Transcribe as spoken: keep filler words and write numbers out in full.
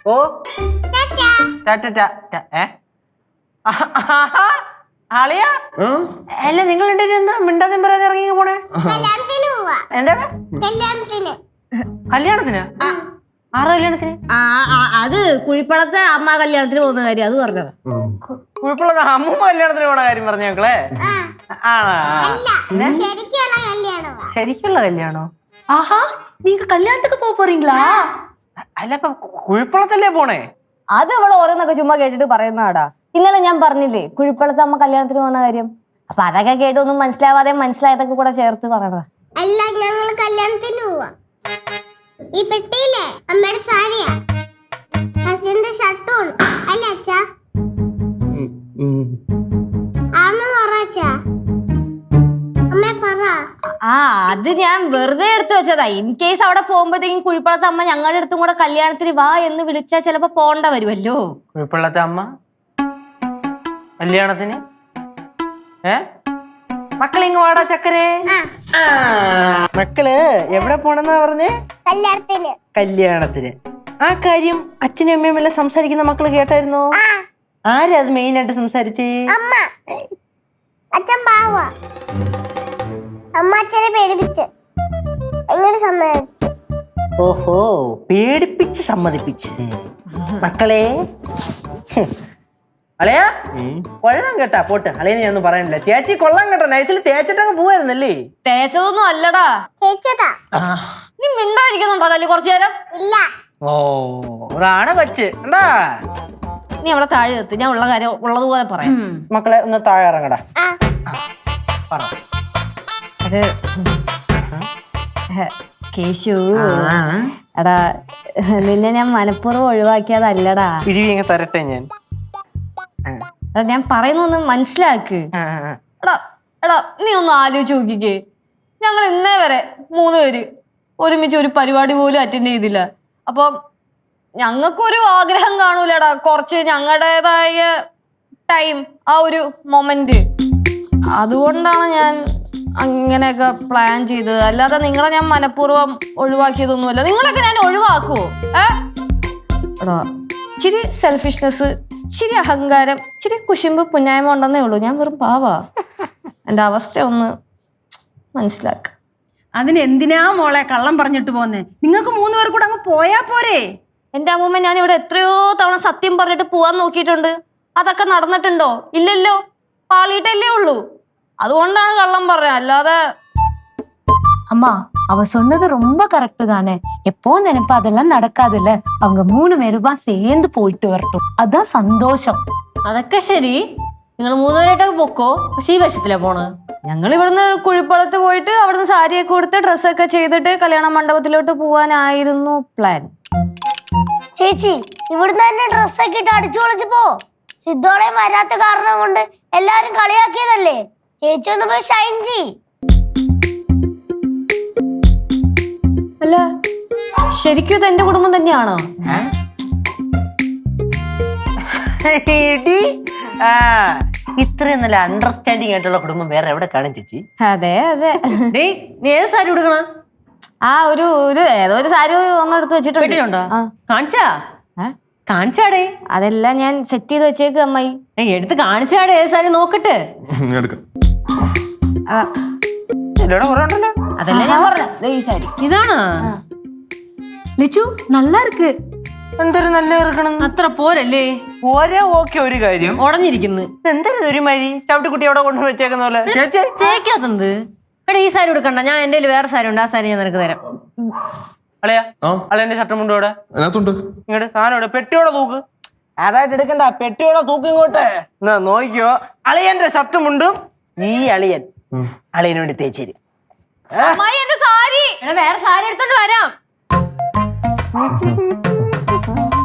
ഓ ആളിയാ അല്ല നിങ്ങൾ എന്താ മിണ്ടാതെ പറയാതെ ഇറങ്ങി പോണേ? എന്താണ് കല്യാണത്തിന്? ആറ് കല്യാണത്തിന്? അത് കുഴിപ്പളത്തെ അമ്മ കല്യാണത്തിന് പോകുന്ന കാര്യം അത് പറഞ്ഞത്. കുഴിപ്പളത്തെ അമ്മൂമ്മ കല്യാണത്തിന് പോണ കാര്യം പറഞ്ഞ മക്കളെ? ശരിക്കുള്ള കല്യാണോ? ആഹാ നീങ്ക കല്യാണத்துக்கு പോക പോறீங்களா? അല്ല ഇപ്പൊ കുഴിപ്പളത്തല്ലേ പോണേ? അത് അവൾ ഓരോന്നൊക്കെ ചുമ്മാ കേട്ടിട്ട് പറയുന്നതാടാ. ഇന്നലെ ഞാൻ പറഞ്ഞില്ലേ കുഴിപ്പളത്തെ അമ്മ കല്യാണത്തിന് പോകുന്ന കാര്യം. അപ്പൊ അതൊക്കെ കേട്ടൊന്നും മനസ്സിലാവാതെ മനസ്സിലായതൊക്കെ കൂടെ ചേർത്ത് പറയണതാ. അല്ല ഞങ്ങൾ കല്യാണത്തിന് പോവാ. ഈ പെട്ടിയിലെ അമ്മയുടെ സാരിയാ, ഹസ്ബൻഡിന്റെ ഷർട്ടും അല്ല അച്ഛാ? ആണെന്ന് പറ അച്ഛാ. അമ്മേ പറ. ആ അത് ഞാൻ വെറുതെ എടുത്തു വെച്ചതാ. ഇൻ കേസ് അവിടെ പോകുമ്പോഴത്തേക്കും കുഴിപ്പളത്തെ അമ്മ ഞങ്ങളുടെ അടുത്തും കൂടെ കല്യാണത്തിന് വാ എന്ന് വിളിച്ചാൽ ചിലപ്പോ പോണ്ട വരുമല്ലോ. കുഴിപ്പള്ളത്തെ അമ്മ കല്യാണത്തിന്? ഏ മക്കളിങ് വാടാ ചക്കരേ. മക്കള് എവിടെ പോണെന്നാ പറഞ്ഞേ? കല്യാണത്തിന്. കല്യാണത്തിന്. ആ കാര്യം അച്ഛനും അമ്മയും എല്ലാം സംസാരിക്കുന്ന മക്കള് കേട്ടായിരുന്നോ? ആരാ അത് മെയിൻ ആയിട്ട് സംസാരിച്ചേ? അമ്മ. അച്ഛൻ പാവാ. അമ്മ അച്ഛനെ പേടിപ്പിച്ച് എങ്ങനെ സമ്മതിച്ചു? ഓഹോ പേടിപ്പിച്ച് സമ്മതിപ്പിച്ച്. മക്കളെ അളയാ കൊള്ളാം കേട്ടാ. പോട്ട് അളയനെ ഞാനൊന്നും പറയാനില്ല. ചേച്ചി കൊള്ളാം കേട്ടോ. നൈസിൽ തേച്ചിട്ടങ്ങ് പോവായിരുന്നല്ലേ? തേച്ചതൊന്നും അല്ലടാ, തേച്ചതാ. നീ മിണ്ടായിരിക്കുന്നുണ്ടോ കല്ല് കുറച്ചു നേരം? ഇല്ല. ഓ ഒരാണ് വെച്ച് എന്താ? നീ അവിടെ താഴെ എത്തി, ഞാൻ ഉള്ള കാര്യം ഉള്ളതുപോലെ പറയാം. മക്കളെ ഒന്ന് താഴെ ഇറങ്ങടാ. പറ. അത് കേശു എടാ, നിന്നെ ഞാൻ മനഃപൂർവ്വം ഒഴിവാക്കിയതല്ലടാ. ഇഴിവിങ്ങ തരട്ടെ ഞാൻ. ഞാൻ പറയുന്നൊന്ന് മനസ്സിലാക്ക്. എടാ എടാ നീ ഒന്ന് ആലോചിച്ച് നോക്കിക്കേ. ഞങ്ങൾ ഇന്നേ വരെ മൂന്ന് പേര് ഒരുമിച്ച് ഒരു പരിപാടി പോലും അറ്റൻഡ് ചെയ്തില്ല. അപ്പം ഞങ്ങൾക്കൊരു ആഗ്രഹം കാണൂലടാ, കുറച്ച് ഞങ്ങളുടേതായ ടൈം, ആ ഒരു മൊമെന്റ്. അതുകൊണ്ടാണ് ഞാൻ അങ്ങനെയൊക്കെ പ്ലാൻ ചെയ്തത്. അല്ലാതെ നിങ്ങളെ ഞാൻ മനഃപൂർവ്വം ഒഴിവാക്കിയതൊന്നുമല്ല. നിങ്ങളൊക്കെ ഞാൻ ഒഴിവാക്കുവോ? ഏ എടാ ഇച്ചിരി സെൽഫിഷ്നെസ്, ഇച്ചിരി അഹങ്കാരം, ഇച്ചിരി കുശുമ്പ് പുന്നായ്മ ഉണ്ടെന്നേ ഉള്ളൂ. ഞാൻ വെറും പാവാ. എൻ്റെ അവസ്ഥ ഒന്ന് മനസ്സിലാക്ക. അതിന് എന്തിനാ മോളെ കള്ളം പറഞ്ഞിട്ട് പോന്നെ? നിങ്ങൾക്ക് മൂന്ന് പേർ കൂടെ അങ്ങ് പോയാ പോരെ? എൻ്റെ അമ്മൂമ്മ ഞാൻ ഇവിടെ എത്രയോ തവണ സത്യം പറഞ്ഞിട്ട് പോവാൻ നോക്കിയിട്ടുണ്ട്. അതൊക്കെ നടന്നിട്ടുണ്ടോ? ഇല്ലല്ലോ, പാളിയിട്ടല്ലേ ഉള്ളൂ. അതുകൊണ്ടാണ് കള്ളം പറഞ്ഞത്, അല്ലാതെ. அம்மா அவ சொன்னது ரொம்ப கரெக்ட் தானே. எப்போ நினைப்பா அதெல்லாம் நடக்காதுல்ல. அவங்க மூணு பேருமா சேர்ந்து போயிட்டு வரட்டும், அதான் சந்தோஷம். അതൊക്കെ ശരി, നിങ്ങൾ മൂന്നുപേരായിട്ടൊക്കെ പൊക്കോ. പക്ഷെ ഈ വശത്തിലാ പോണ്. ഞങ്ങൾ ഇവിടുന്ന് കുഴിപ്പളത്ത് പോയിട്ട് അവിടുന്ന് സാരിയൊക്കെ കൊടുത്ത് ഡ്രസ്സൊക്കെ ചെയ്തിട്ട് കല്യാണ മണ്ഡപത്തിലോട്ട് പോവാനായിരുന്നു പ്ലാൻ. ചേച്ചി ഇവിടുന്ന് തന്നെ ഡ്രസ്സൊക്കെ ഇട്ട് അടിച്ചു പൊളിച്ചു പോ. സിദ്ധോളയും വരാത്ത കാരണം കൊണ്ട് എല്ലാരും കളിയാക്കിയതല്ലേ. ചേച്ചി ഒന്ന് പോയി ഷൈൻ ചെയ്. അല്ല ശരിക്കും ഇത് എന്റെ കുടുംബം തന്നെയാണോ? ഇത്രയും നല്ല അണ്ടർസ്റ്റാൻഡിങ് ആയിട്ടുള്ള കുടുംബം വേറെ എവിടെ കാണും ചേച്ചി? അതെ അതെ. നീ ഏത് സാരി ഉടുക്കണ? ആ ഒരു ഒരു ഏതോ ഒരു സാരി ഒന്നും എടുത്ത് വെച്ചിട്ടുണ്ടോ? കാണിച്ചാ കാണിച്ചാടേ? അതെല്ലാം ഞാൻ സെറ്റ് ചെയ്ത് വെച്ചേക്ക് അമ്മായി. എടുത്ത് കാണിച്ചാടേ ഏത് സാരി നോക്കട്ടെ. അതല്ല ഞാൻ പറഞ്ഞ ഈ സാരി ഇതാണ്. லிச்சு நல்லா இருக்கு. എന്തൊരു നല്ല ഇറക്കണം. അത്ര പോരല്ലേ? പോരാ. ഓക്കെ ഒരു കാര്യം ഉടഞ്ഞിരിക്കുന്നു. എന്തൊരു ഒരു മഴി ചവിട്ടിക്കുട്ടി അവിടെ കൊണ്ടു വെച്ചേക്കുന്ന പോലെ. തേക്കാത്തത് എടാ. ഈ സാരി എടുക്കണ്ട, ഞാൻ എന്റെ വേറെ സാരി ഉണ്ട്, ആ സാരി ഞാൻ നിനക്ക് തരാം. അളയാ അളയന്റെ ഷർട്ടും മുണ്ടും ഇവിടെ ഇങ്ങോട്ട് സാധനം ഇവിടെ പെട്ടിയോടെ തൂക്ക്. അതായിട്ട് എടുക്കണ്ട, പെട്ടിയോടെ തൂക്ക് ഇങ്ങോട്ട്. എന്നാ നോക്കിയോ, അളിയന്റെ ഷർട്ടും മുണ്ടും ഈ അളിയൻ അളിയന് വേണ്ടി തേച്ചേരി. വേറെ സാരി എടുത്തോണ്ട് വരാം.